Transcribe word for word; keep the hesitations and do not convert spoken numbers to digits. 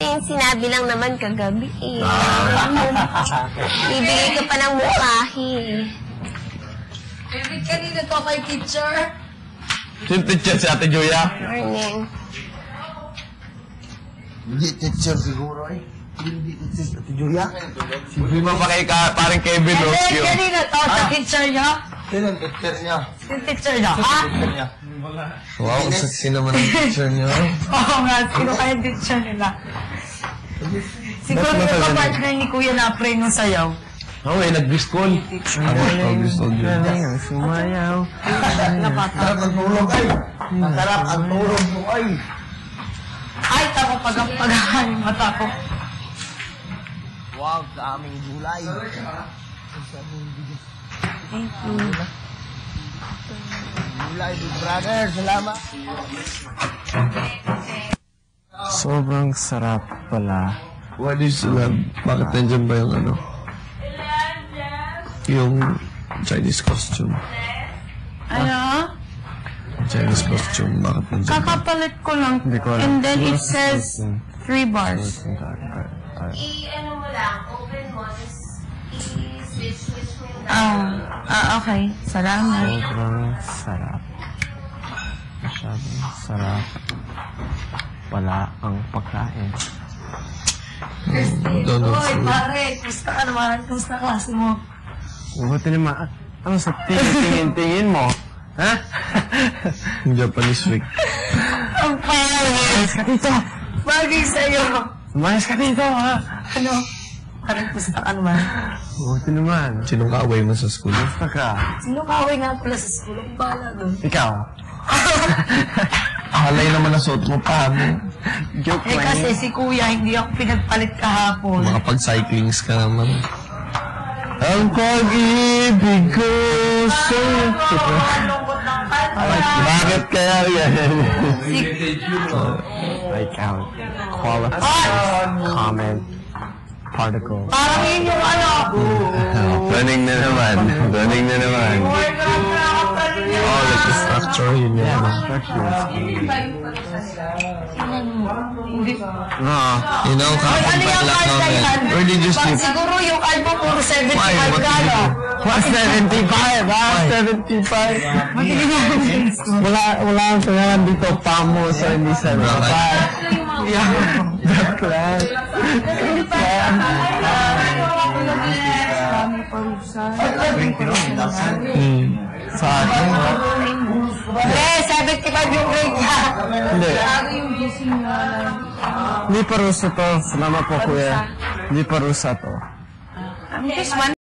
yung sinabi lang naman kagabi eh. Bibigay ka pa ng mukhahi eh. David, kanina to kay teacher. Sino teacher? Si Ate Julia? Morning. Hindi teacher siguro eh. Hindi teacher si Ate Julia. Hindi mo pa kay ka, parang Kevin David, Rosio. kanina to sa teacher niya. Sino ang teacher niya? Yung teacher niya, ha? Teacher niya. Wow, sexy naman ang teacher niyo. Oo nga, sino kaya yung teacher nila? Siguro yung kapartner ni Kuya Napre nung sayaw. Oo, eh, nag-biscol. Ako, nag-biscol yun. Sumayaw. Sarap ang tulog ay. Sarap ang tulog mo ay. Ay, tako pag-pagahan yung mata ko. Wow, sa aming gulay. Thank you. Gulay, big brother. Salamat. Sobrang sarap pala. What is love? Bakit nandyan ba yung ano? Yung Chinese costume. Ano? Chinese costume. Bakit nandyan? Kakapalit ko lang. Hindi ko alam. And then it Siguro says susuot three bars. I-ano mo lang, open mo, just i-switch-switch mo yung Ah, ah, okay. Salamat. Sobrang sarap. Masyadong sarap pala ang pagkain. Donald Oy, food. pare, kumusta ka naman? Kumusta klase mo? Buti naman. Ano sa tingin-tingin mo? Ha? Japanese week. Ang pare! Umayos ka dito! Bagay sa'yo! Umayos ka dito, ha? Ano? Parang kumusta ka naman? Buti naman. Sinong kaaway mo sa school? Basta ka. Sino kaway nga pala sa school? Ang bala doon. Ikaw. Halay naman na suot mo pa mo. Joke Eh lang. kasi si kuya, hindi ako pinagpalit kahapon. Makapag-cyclings ka naman. Ang pag-ibig ko sa'yo. Bakit kaya yan? I count. Qualified. Comment. Particle. Parang yun yung ano. Running na naman. Running na naman. Oh, like the structure, yun yun. Yeah, the structure is Hindi. No. You know, Ay, kapag ano yung back card na yan? namin. Where did you Ba- sleep? Siguro yung album puro Why? seventy-five What ka, did you no? do? What, seventy-five? Ah, seventy-five. Matigil na Wala, wala ang pangalan dito, Pamo, so hindi seventy-five. Yeah, that's right. Hmm. Sa akin, Eh, seventy-five yung grade ka. hindi. Hindi parusa to. Salamat po, kuya. Hindi parusa to. This one.